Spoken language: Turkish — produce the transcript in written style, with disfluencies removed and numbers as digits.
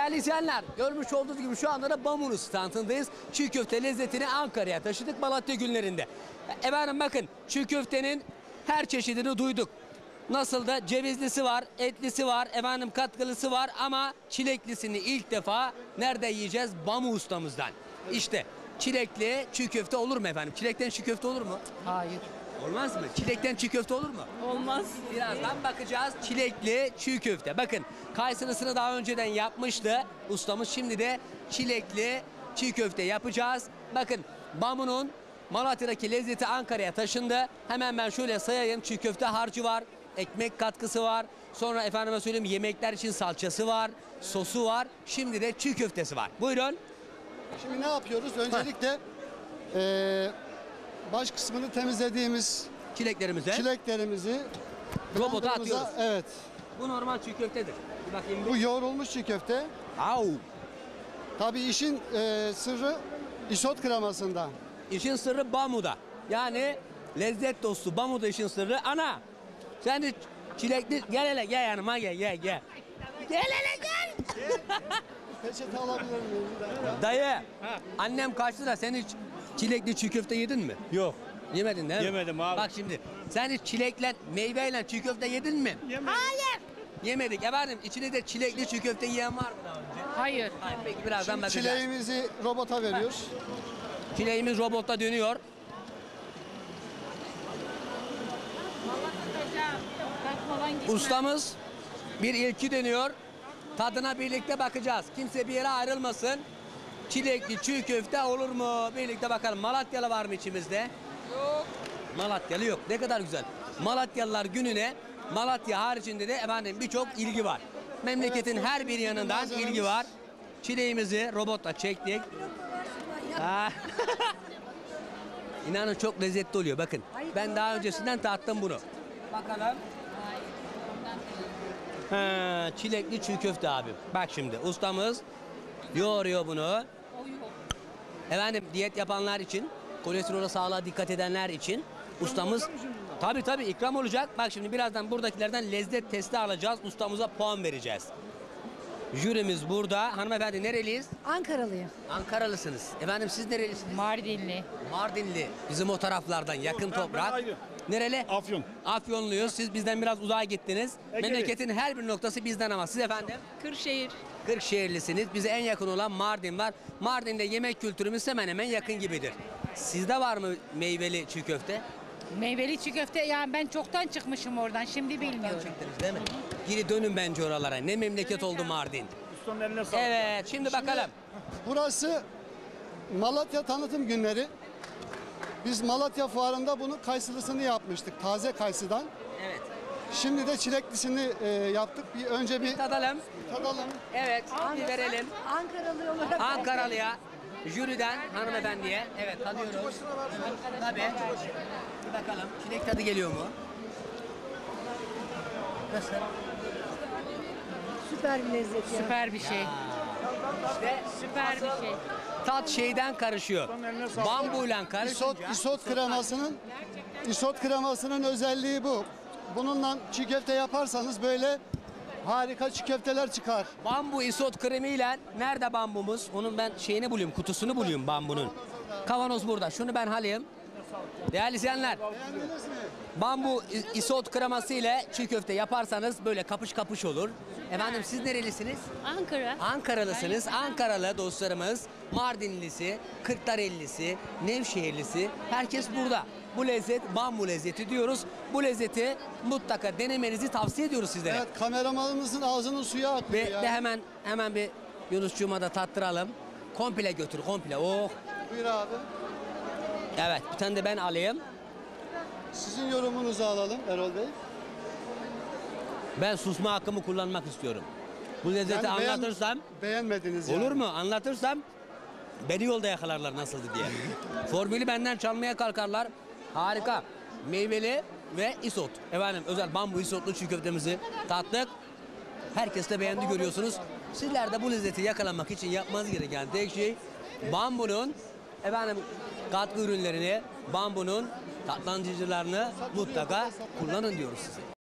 Değerli izleyenler, görmüş olduğunuz gibi şu anda da Bambu'nun standındayız. Çiğ köfte lezzetini Ankara'ya taşıdık Malatya günlerinde. Efendim bakın, çiğ köftenin her çeşidini duyduk. Nasıl da cevizlisi var, etlisi var, efendim katkılısı var ama çileklisini ilk defa nerede yiyeceğiz? Bambu ustamızdan. İşte çilekli çiğ köfte olur mu efendim? Çilekten çiğ köfte olur mu? Hayır. Olmaz mı? Çilekten çiğ köfte olur mu? Olmaz. Birazdan bakacağız. Çilekli çiğ köfte. Bakın kaysırısını daha önceden yapmıştı ustamız. Şimdi de çilekli çiğ köfte yapacağız. Bakın Bambu'nun Malatya'daki lezzeti Ankara'ya taşındı. Hemen ben şöyle sayayım. Çiğ köfte harcı var. Ekmek katkısı var. Sonra efendime söyleyeyim yemekler için salçası var. Sosu var. Şimdi de çiğ köftesi var. Buyurun. Şimdi ne yapıyoruz? Öncelikle baş kısmını temizlediğimiz Çileklerimize çileklerimizi robota blenderımıza- atıyoruz. Evet. Bu normal çiğ köftedir. Bir bakayım Bu yoğrulmuş çiğ köfte. Au. Tabii işin sırrı isot kremasında. İşin sırrı Bambu'da. Yani lezzet dostu Bambu'da işin sırrı. Ana sen de çilekli gel hele gel yanıma gel. Gel hele gel. Peçete alabilir miyim? Bir dakika. Dayı annem kaçtı da sen hiç çilekli çiğ köfte yedin mi? Yok. Yemedin değil mi? Yemedim abi. Bak şimdi sen hiç çilekle meyveyle çiğ köfte yedin mi? Hayır. Yemedik efendim. İçinde de çilekli çiğ köfte yiyen var mı daha önce? Hayır. Hayır, peki birazdan Şimdi bakacağız. çileğimizi robota veriyoruz. Çileğimiz robotta dönüyor. Ustamız bir ilki deniyor. Tadına birlikte bakacağız. Kimse bir yere ayrılmasın. Çilekli çiğ köfte olur mu? Birlikte bakalım. Malatyalı var mı içimizde? Yok. Malatyalı yok. Ne kadar güzel. Malatyalılar gününe Malatya haricinde de efendim birçok ilgi var. Memleketin Evet, her bir yanından malzememiz. ilgi var. Çileğimizi robotla çektik. Ha. İnanın çok lezzetli oluyor. Bakın ben daha öncesinden tattım bunu. Bakalım. Ha, çilekli çiğ köfte abi. Bak şimdi ustamız yoğuruyor bunu. Efendim diyet yapanlar için, kolesterol sağlığa dikkat edenler için ustamız tabii ikram olacak. Bak şimdi birazdan buradakilerden lezzet testi alacağız. Ustamıza puan vereceğiz. Jürimiz burada. Hanımefendi nereliyiz? Ankaralıyım. Ankaralısınız. Efendim siz nerelisiniz? Mardinli. Mardinli. Bizim o taraflardan yakın toprak. aynı. Nereli? Afyon. Afyonluyuz. Siz bizden biraz uzağa gittiniz. Egeli. Memleketin her bir noktası bizden ama siz efendim? Kırşehir. Kırşehirlisiniz. Bize en yakın olan Mardin var. Mardin'de yemek kültürümüz hemen hemen yakın gibidir. Sizde var mı meyveli çiğ köfte? Meyveli çiğ köfte yani ben çoktan çıkmışım oradan şimdi bilmiyorum. Çektiniz değil mi? Geri dönün bence oralara. Ne memleket oldu Mardin. Ustanın eline sağlık. Evet, şimdi bakalım. Burası Malatya tanıtım günleri. Biz Malatya fuarında bunun kayısılısını yapmıştık. Taze kayısıdan. Evet. Şimdi de çileklisini yaptık. Önce bir Tadalım. tadalım. Evet, bir verelim. Ankaralı olarak. Ankaralı'ya, jüriden hanımefendiye. Evet, tadıyoruz. Tabii. Bir bakalım, çilek tadı geliyor mu? Nasıl? Süper bir lezzet ya. Süper bir şey. İşte Süper bir şey. tat şeyden karışıyor. Bambuyla İsot, karışınca. isot kremasının özelliği bu. Bununla çiğ köfte yaparsanız böyle harika çiğ köfteler çıkar. Bambu isot kremiyle nerede bambumuz? Onun ben şeyini bulayım, kutusunu bulayım bambunun. Kavanoz burada. Şunu ben alayım. Değerli izleyenler, Beğendiniz mi? bambu isot kreması ile çiğ köfte yaparsanız böyle kapış kapış olur. Efendim siz nerelisiniz? Ankara. Ankaralısınız. Ankaralı dostlarımız, Mardinlisi, Kırklarellisi, Nevşehirlisi, herkes burada. Bu lezzet bambu lezzeti diyoruz. Bu lezzeti mutlaka denemenizi tavsiye ediyoruz sizlere. Evet, kameramanımızın ağzının suyu akıyor Ve ya. de hemen bir Yunuscuğuma da tattıralım. Komple götür, komple. Oh. Buyur abi. Evet, bir tane de ben alayım. Sizin yorumunuzu alalım Erol Bey. Ben susma hakkımı kullanmak istiyorum. Bu lezzeti Yani anlatırsam, beğenmediniz yani. olur mu? Anlatırsam beni yolda yakalarlar nasıldı diye. Formülü benden çalmaya kalkarlar. Harika. Meyveli ve isot. Efendim özel bambu isotlu çiğ köftemizi tattık. Herkes de beğendi görüyorsunuz. Sizler de bu lezzeti yakalamak için yapmanız gereken tek şey bambunun efendim katkı ürünlerini, bambunun tatlandırıcılarını mutlaka kullanın diyoruz size.